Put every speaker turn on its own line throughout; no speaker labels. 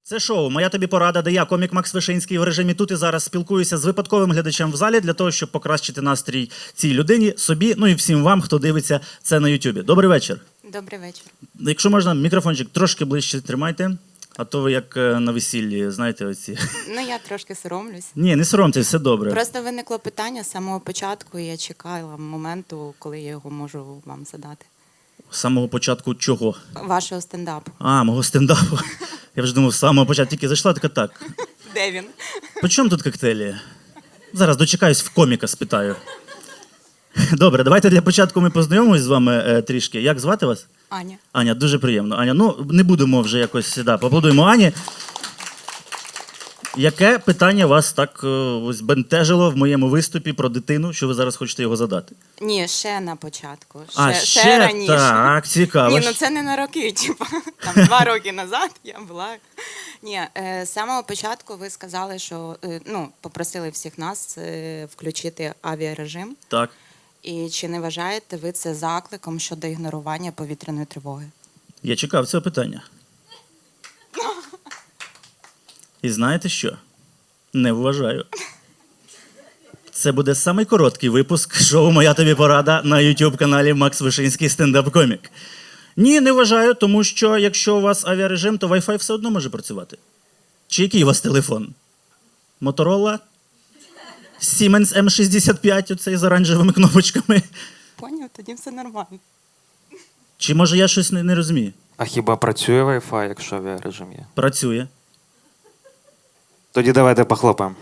Це шоу «Моя тобі порада», де я, комік Макс Вишинський, в режимі тут і зараз спілкуюся з випадковим глядачем в залі для того, щоб покращити настрій цій людині, собі, ну і всім вам, хто дивиться це на Ютубі. Добрий вечір.
Добрий вечір.
Якщо можна, мікрофончик трошки ближче тримайте, а то ви як на весіллі, знаєте, оці.
Ну, я трошки соромлюсь.
Ні, не соромтесь, все добре.
Просто виникло питання з самого початку, і я чекала моменту, коли я його можу вам задати.
З самого початку чого?
Вашого стендапу.
А, мого стендапу. Я вже думав, з самого початку тільки зайшла, така так.
Де він?
По чому тут коктейлі? Зараз дочекаюсь, в коміка спитаю. Добре, давайте для початку ми познайомимось з вами трішки. Як звати вас?
Аня.
Аня, дуже приємно. Аня, ну не будемо вже якось, да, поаплодуємо Ані. Яке питання вас так ось бентежило в моєму виступі про дитину, що ви зараз хочете його задати?
Ні, ще на початку.
Ще
раніше.
так, цікаво.
Ні, ну це не на роки, типу. Там 2 роки назад я була. Ні, з самого початку ви сказали, що, ну, попросили всіх нас включити авіарежим.
Так.
І чи не вважаєте ви це закликом щодо ігнорування повітряної тривоги?
Я чекав цього питання. І знаєте що? Не вважаю. Це буде самий короткий випуск шоу «Моя тобі порада» на YouTube-каналі Макс Вишинський стендап-комік. Ні, не вважаю, тому що якщо у вас авіарежим, то Wi-Fi все одно може працювати. Чи який у вас телефон? Motorola? Siemens M65, оцей з оранжевими кнопочками?
Поняв, тоді все нормально.
Чи може я щось не розумію?
А хіба працює Wi-Fi, якщо авіарежим є?
Працює.
Тоді давайте похлопаємо.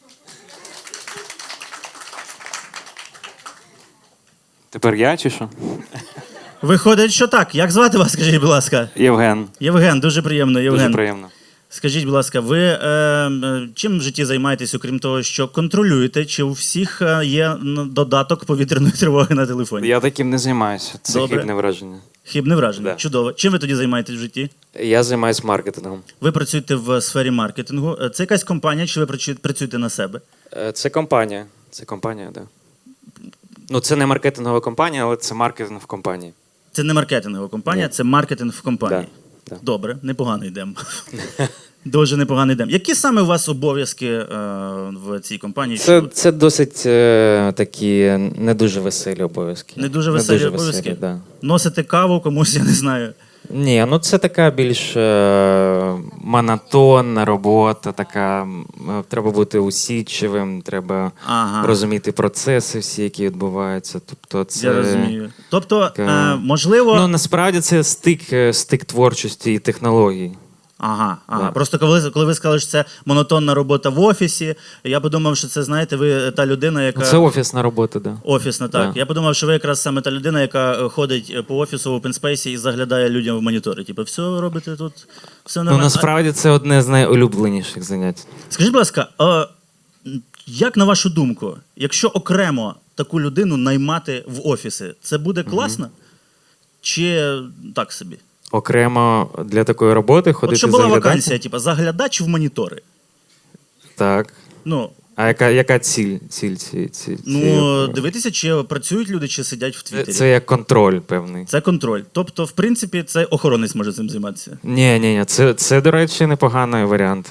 Тепер я чи що?
Виходить, що так. Як звати вас, скажіть, будь ласка?
Євген.
Євген, дуже приємно, Євген.
Дуже приємно.
Скажіть, будь ласка, ви чим в житті займаєтесь, окрім того, що контролюєте, чи у всіх є додаток повітряної тривоги на телефоні?
Я таким не займаюся. Це
Добре.
хибне враження.
Хибне враження.
Да.
Чудово. Чим ви тоді займаєтесь в житті?
Я займаюся маркетингом.
Ви працюєте в сфері маркетингу. Це якась компанія, чи ви працюєте на себе?
Це компанія. Це компанія, так. Да. Ну, це не маркетингова компанія, але це маркетинг в компанії.
Це не маркетингова компанія,
Ні.
це маркетинг в компанії.
Да.
Добре, непогано йдемо. Дуже непогано йдемо. Які саме у вас обов'язки в цій компанії?
Це досить такі не дуже веселі обов'язки.
Не дуже веселі обов'язки?
Да.
Носити каву комусь, я не знаю.
Ні, ну це така більш монотонна робота, така треба бути усідчивим, треба розуміти процеси всі, які відбуваються. Тобто це
Я розумію. Тобто,
така...
можливо...
Ну, насправді це стик творчості і технологій.
Ага.
Да.
Просто коли ви сказали, що це монотонна робота в офісі, я подумав, що це, знаєте, ви та людина, яка...
Ну, це офісна робота, да.
Офісна, так.
Да.
Я подумав, що ви якраз саме та людина, яка ходить по офісу в open space і заглядає людям в монітори. Типу, все робите тут, все
Ну,
нормально.
насправді це одне з найулюбленіших занять.
Скажіть, будь ласка, як на вашу думку, якщо окремо таку людину наймати в офіси, це буде класно? Чи так собі?
Окремо для такої роботи ходити
От щоб була
заглядати?
вакансія, типу, заглядач в монітори.
Так.
Ну,
А яка ціль?
дивитися, чи працюють люди, чи сидять в Твіттері.
Це як контроль певний.
Це контроль. Тобто, в принципі, це охоронець може цим займатися.
Ні, це, до речі, непоганий варіант.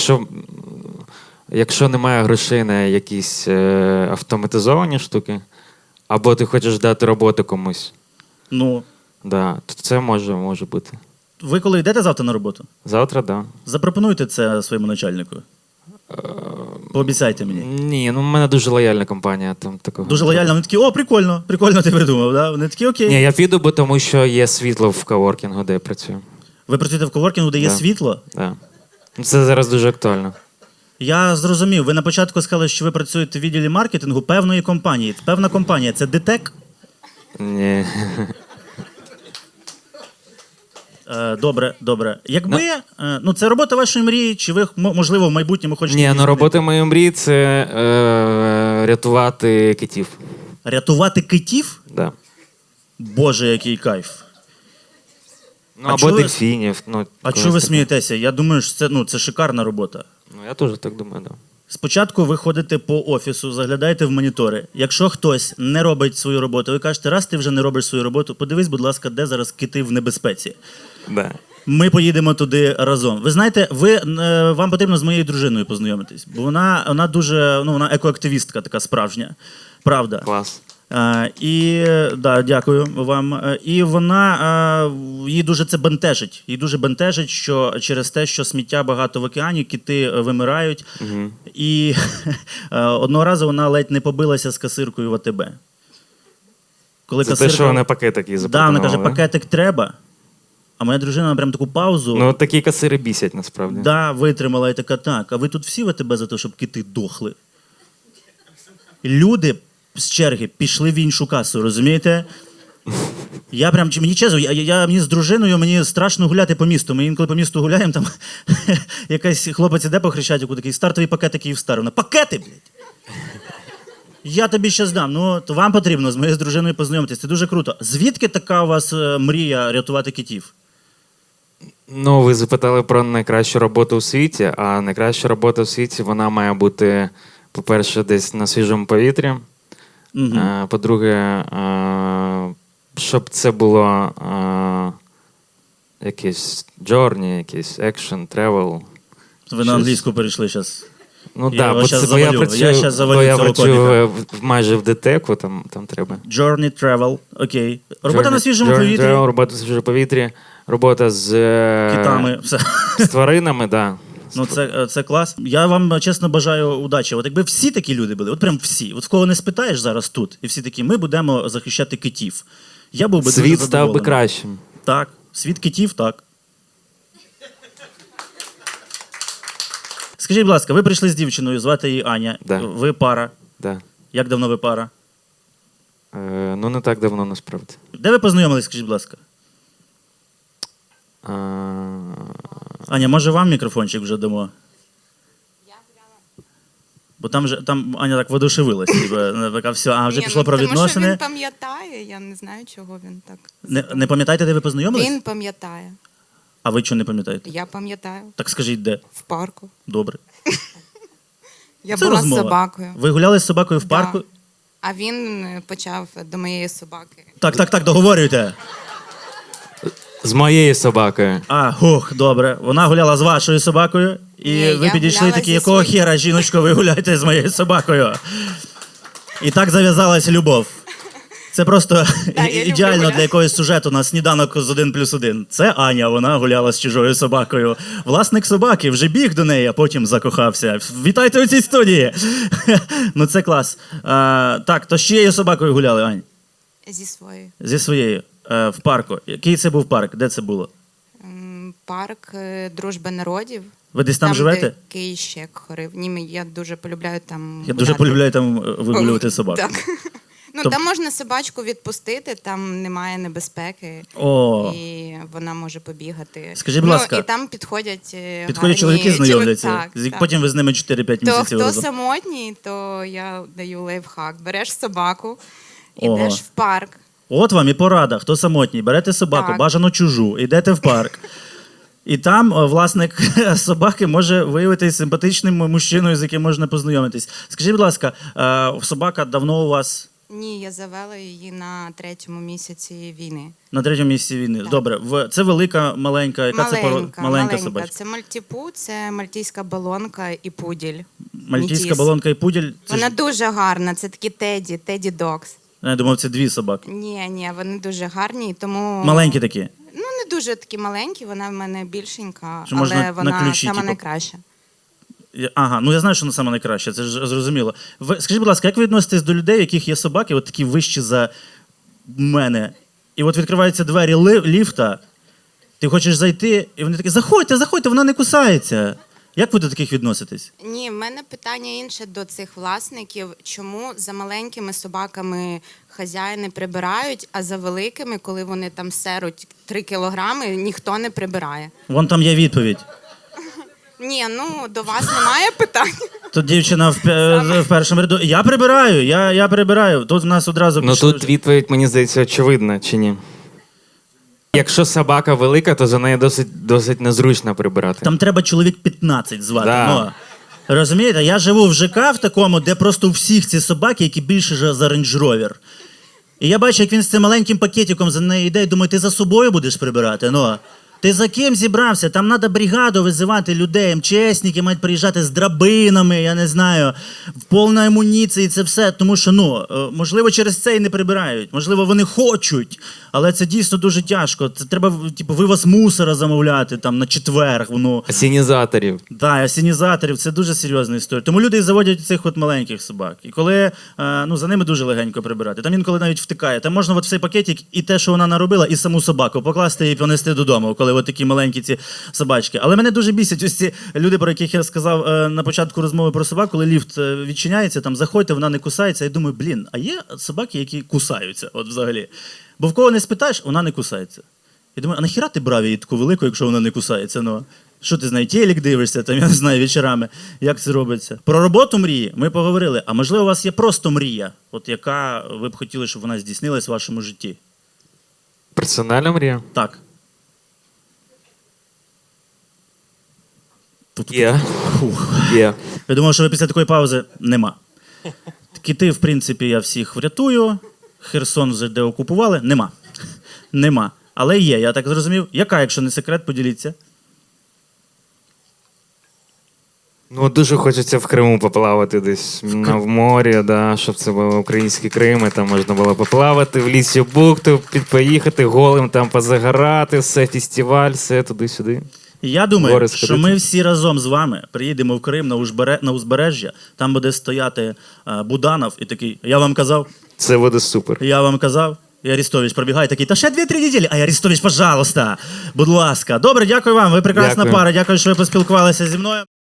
Якщо немає грошей на якісь автоматизовані штуки, або ти хочеш дати роботу комусь,
Ну,
да, то це може бути.
ви коли йдете завтра на роботу?
Завтра, да.
Запропонуйте це своєму начальнику. Пообіцяйте мені.
Ні, ну в мене дуже лояльна компанія. Там такого.
Дуже лояльно. Вони такі, о, прикольно ти придумав. Да? Вони такі, окей.
Ні, я піду, бо тому що є світло в коворкінгу, де я працюю.
Ви працюєте в коворкінгу, де є
Да.
світло?
Да. Це зараз дуже актуально.
Я зрозумів. Ви на початку сказали, що ви працюєте в відділі маркетингу певної компанії. Певна компанія – це ДТЕК?
Ні.
Добре. Якби, це робота вашої мрії, чи ви, можливо, в майбутньому хочете...
Ні,
її
ну
змінити?
робота моєї мрії – це рятувати китів.
Рятувати китів?
Да.
Боже, який кайф.
Ну,
А
або
чого ви-
дельфінів. Ну,
А
когось
чого ви
такого.
смієтеся? Я думаю, що це шикарна робота.
Ну, я теж так думаю, да.
Спочатку ви ходите по офісу, заглядаєте в монітори. Якщо хтось не робить свою роботу, ви кажете, раз ти вже не робиш свою роботу, подивись, будь ласка, де зараз кити в небезпеці.
Да.
Ми поїдемо туди разом. Ви знаєте, вам потрібно з моєю дружиною познайомитись, бо вона дуже, вона екоактивістка така справжня. Правда.
Клас.
Дякую вам. І вона, її дуже це бентежить. Її дуже бентежить, що через те, що сміття багато в океані, кити вимирають.
Угу.
І одного разу вона ледь не побилася з касиркою в АТБ. Коли
Це те, що вона пакетик їй запропонувала.
вона каже, пакетик треба. А моя дружина прям таку паузу.
Ну, такі касири бісять, насправді.
Витримала і така, так, а ви тут всі в АТБ за те, щоб кити дохли? Люди з черги пішли в іншу касу, розумієте? Мені чесно, мені з дружиною, мені страшно гуляти по місту. Ми інколи по місту гуляємо, там якийсь хлопець іде по Хрещатику, такий стартовий пакетик Київстар. Пакети, блядь! Я тобі щас дам. То вам потрібно з моєю дружиною познайомитись. Це дуже круто. Звідки така у вас мрія рятувати китів?
Ну, ви запитали про найкращу роботу у світі, а найкраща робота у світі, вона має бути, по-перше, десь на свіжому повітрі.
Угу.
По-друге, щоб це було якийсь journey, якийсь action, travel.
Ви на англійську перейшли зараз.
Ну
Я
так,
щас
бо я
завалю цього
працюю майже в ДТЕКу, там треба.
Journey, travel, окей. Робота на свіжому повітрі.
Робота на свіжому повітрі, робота з
Китами, все.
з тваринами, так.
Ну, це клас. Я вам чесно бажаю удачі. От якби всі такі люди були, от прям всі. От в кого не спитаєш зараз тут, і всі такі, ми будемо захищати китів. Я був би дуже
Світ став би
задоволений.
кращим.
Так, світ китів, так. Скажіть, будь ласка, ви прийшли з дівчиною, звати її Аня.
Да.
Ви пара.
Да.
Як давно ви пара?
Ну, не так давно, насправді.
Де ви познайомились, скажіть, будь ласка? Аня, може вам мікрофончик вже дамо? Бо там Аня так воодушевилась. Така, все, вже пішло про відносини.
Тому що він пам'ятає, я не знаю, чого він так.
Не пам'ятаєте, де ви познайомились?
Він пам'ятає.
А ви чого не пам'ятаєте?
Я пам'ятаю.
Так скажіть, де?
В парку.
Добре.
Я
Це
була
розмова.
з собакою.
Ви гуляли з собакою в
Да.
парку?
А він почав до моєї собаки.
Так, договорюйте.
З моєю собакою.
Добре. Вона гуляла з вашою собакою, і
Ні,
ви
я
підійшли
гуляла
такі,
зі
якого
своєю.
хера, жіночко, ви гуляєте з моєю собакою? І так зав'язалась любов. Це просто
я люблю
ідеально
гуляти.
для якогось сюжету на сніданок з 1+1. Це Аня, вона гуляла з чужою собакою. Власник собаки вже біг до неї, а потім закохався. Вітайте у цій студії! Ну це клас. Так, то з чиєю собакою гуляли, Ань?
Зі своєю.
Зі своєю. В парку. Який це був парк? Де це було?
Парк Дружби народів.
Ви десь там живете?
Де Кейщек хорив. Ні, я дуже полюбляю там
Я дуже
гуляти.
полюбляю там вигулювати собак.
Так. Ну,
Тоб-
там можна собачку відпустити, там немає небезпеки,
О,
і вона може побігати.
Скажіть, будь ласка,
і там підходять гарні
чоловіки знайомляться.
Так.
Потім ви з ними 4-5
То
місяців
хто
разом.
самотній, то я даю лайфхак. Береш собаку,
Ого.
ідеш в парк.
От вам і порада. Хто самотній, берете собаку,
Так.
бажано чужу, йдете в парк. І там власник собаки може виявитися симпатичним мужчиною, з яким можна познайомитись. Скажіть, будь ласка, собака давно у вас
Ні, я завела її на 3-му місяці війни.
на 3-му місці війни?
Так.
Добре, це велика, маленька, яка це маленька собачка?
Це мальтіпу, це мальтійська балонка і пуділь.
Мальтійська
Метіс.
балонка і пуділь? Це
Вона
ж...
дуже гарна, це такі теді докс.
Я думав, це дві собаки.
Ні, вони дуже гарні, і тому...
Маленькі такі.
Ну, не дуже такі маленькі, вона в мене більшенька,
Що можна
але
на
вона
ключі,
сама
типу,
найкраща.
Ага, ну я знаю, що вона саме найкраще, це ж зрозуміло. Скажіть, будь ласка, як ви відноситесь до людей, у яких є собаки, от такі вищі за мене, і от відкриваються двері ліфта, ти хочеш зайти, і вони такі, заходьте, вона не кусається. Як ви до таких відноситесь?
Ні, в мене питання інше до цих власників. Чому за маленькими собаками хазяїни прибирають, а за великими, коли вони там серуть 3 кілограми, ніхто не прибирає?
Вон там є відповідь.
Ні, ну до вас немає питань.
Тут дівчина в першому ряду. Я прибираю. Тут в нас одразу
Ну
пішли
тут відповідь, мені здається, очевидна, чи ні? Якщо собака велика, то за нею досить незручно прибирати.
Там треба чоловік 15 звати.
Да.
Ну, розумієте, я живу в ЖК в такому, де просто у всіх ці собаки, які більше за Range Rover. І я бачу, як він з цим маленьким пакетиком за нею йде, і думаю, ти за собою будеш прибирати? Ну, Ти за ким зібрався? Там треба бригаду визивати людей, МЧСники мають приїжджати з драбинами, я не знаю, в повній амуніції, це все. Тому що, можливо, через це і не прибирають. Можливо, вони хочуть, але це дійсно дуже тяжко. Це треба, вивоз мусора замовляти там на четвер.
Асінізаторів.
Так, асінізаторів, це дуже серйозна історія. Тому люди і заводять цих от маленьких собак. І коли за ними дуже легенько прибирати. Там інколи навіть втикає. Там можна от в цей пакетик і те, що вона наробила, і саму собаку покласти і понести додому, коли от такі маленькі ці собачки. Але мене дуже бісять ось ці люди, про яких я сказав на початку розмови про собак, коли ліфт відчиняється, там заходьте, вона не кусається. Я думаю, а є собаки, які кусаються от взагалі. Бо в кого не спитаєш, вона не кусається. Я думаю, а нахіра ти брав її таку велику, якщо вона не кусається? Що ти з нею, телек дивишся, там, я не знаю, вечорами, як це робиться. Про роботу мрії ми поговорили, а можливо у вас є просто мрія, от яка ви б хотіли, щоб вона здійснилась в вашому житті?
Персональна мрія?
Так.
Є.
Я думав, що ви після такої паузи нема. Кити, в принципі, я всіх врятую. Херсон вже деокупували. Нема. Але є, я так зрозумів. Яка, якщо не секрет, поділіться.
Дуже хочеться в Криму поплавати десь в морі, щоб це було український Крим, і там можна було поплавати, в лісі бухту, поїхати голим, там позагорати, все, фестиваль, все туди-сюди.
Я думаю,
Гори
що
сходити.
ми всі разом з вами приїдемо в Крим на узбережжя, там буде стояти Буданов і такий, я вам казав,
Це буде супер.
і Арестович пробігає такий, та ще 2-3 неділі, а Арестович, пожалуйста, будь ласка. Добре, дякую вам, ви прекрасна
Дякую.
пара, дякую, що ви поспілкувалися зі мною.